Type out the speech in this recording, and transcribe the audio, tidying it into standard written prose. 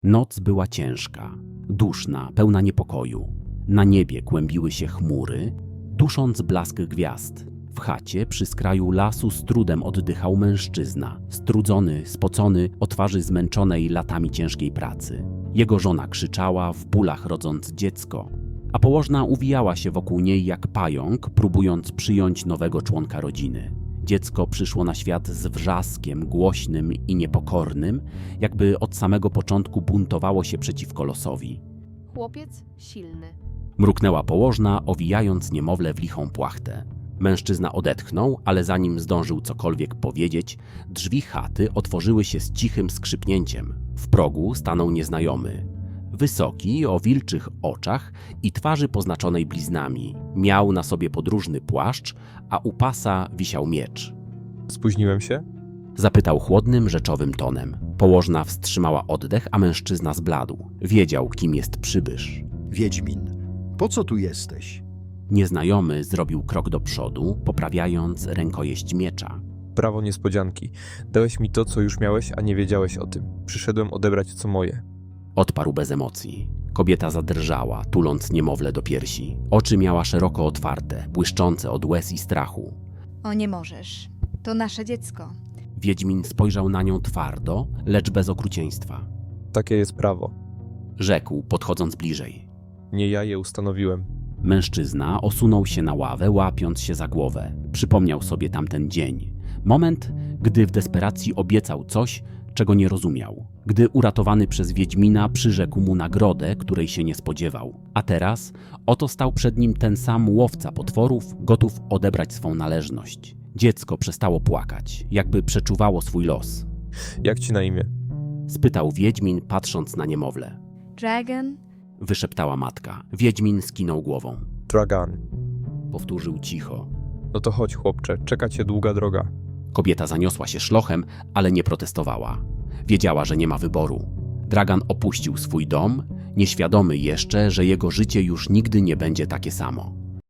Noc była ciężka, duszna, pełna niepokoju. Na niebie kłębiły się chmury, dusząc blask gwiazd. W chacie przy skraju lasu z trudem oddychał mężczyzna, strudzony, spocony, o twarzy zmęczonej latami ciężkiej pracy. Jego żona krzyczała, w bólach rodząc dziecko, a położna uwijała się wokół niej jak pająk, próbując przyjąć nowego członka rodziny. Dziecko przyszło na świat z wrzaskiem głośnym i niepokornym, jakby od samego początku buntowało się przeciwko losowi. Chłopiec silny. Mruknęła położna, owijając niemowlę w lichą płachtę. Mężczyzna odetchnął, ale zanim zdążył cokolwiek powiedzieć, drzwi chaty otworzyły się z cichym skrzypnięciem. W progu stanął nieznajomy. Wysoki, o wilczych oczach i twarzy poznaczonej bliznami. Miał na sobie podróżny płaszcz, a u pasa wisiał miecz. Spóźniłem się? Zapytał chłodnym, rzeczowym tonem. Położna wstrzymała oddech, a mężczyzna zbladł. Wiedział, kim jest przybysz. Wiedźmin, po co tu jesteś? Nieznajomy zrobił krok do przodu, poprawiając rękojeść miecza. Prawo niespodzianki. Dałeś mi to, co już miałeś, a nie wiedziałeś o tym. Przyszedłem odebrać, co moje. Odparł bez emocji. Kobieta zadrżała, tuląc niemowlę do piersi. Oczy miała szeroko otwarte, błyszczące od łez i strachu. O, nie możesz. To nasze dziecko. Wiedźmin spojrzał na nią twardo, lecz bez okrucieństwa. Takie jest prawo. Rzekł, podchodząc bliżej. Nie ja je ustanowiłem. Mężczyzna osunął się na ławę, łapiąc się za głowę. Przypomniał sobie tamten dzień. Moment, gdy w desperacji obiecał coś, czego nie rozumiał. Gdy uratowany przez Wiedźmina przyrzekł mu nagrodę, której się nie spodziewał. A teraz oto stał przed nim ten sam łowca potworów, gotów odebrać swą należność. Dziecko przestało płakać, jakby przeczuwało swój los. Jak ci na imię? Spytał Wiedźmin, patrząc na niemowlę. Dragon? Wyszeptała matka. Wiedźmin skinął głową. Dragan. Powtórzył cicho. No to chodź, chłopcze, czeka cię długa droga. Kobieta zaniosła się szlochem, ale nie protestowała. Wiedziała, że nie ma wyboru. Dragan opuścił swój dom, nieświadomy jeszcze, że jego życie już nigdy nie będzie takie samo.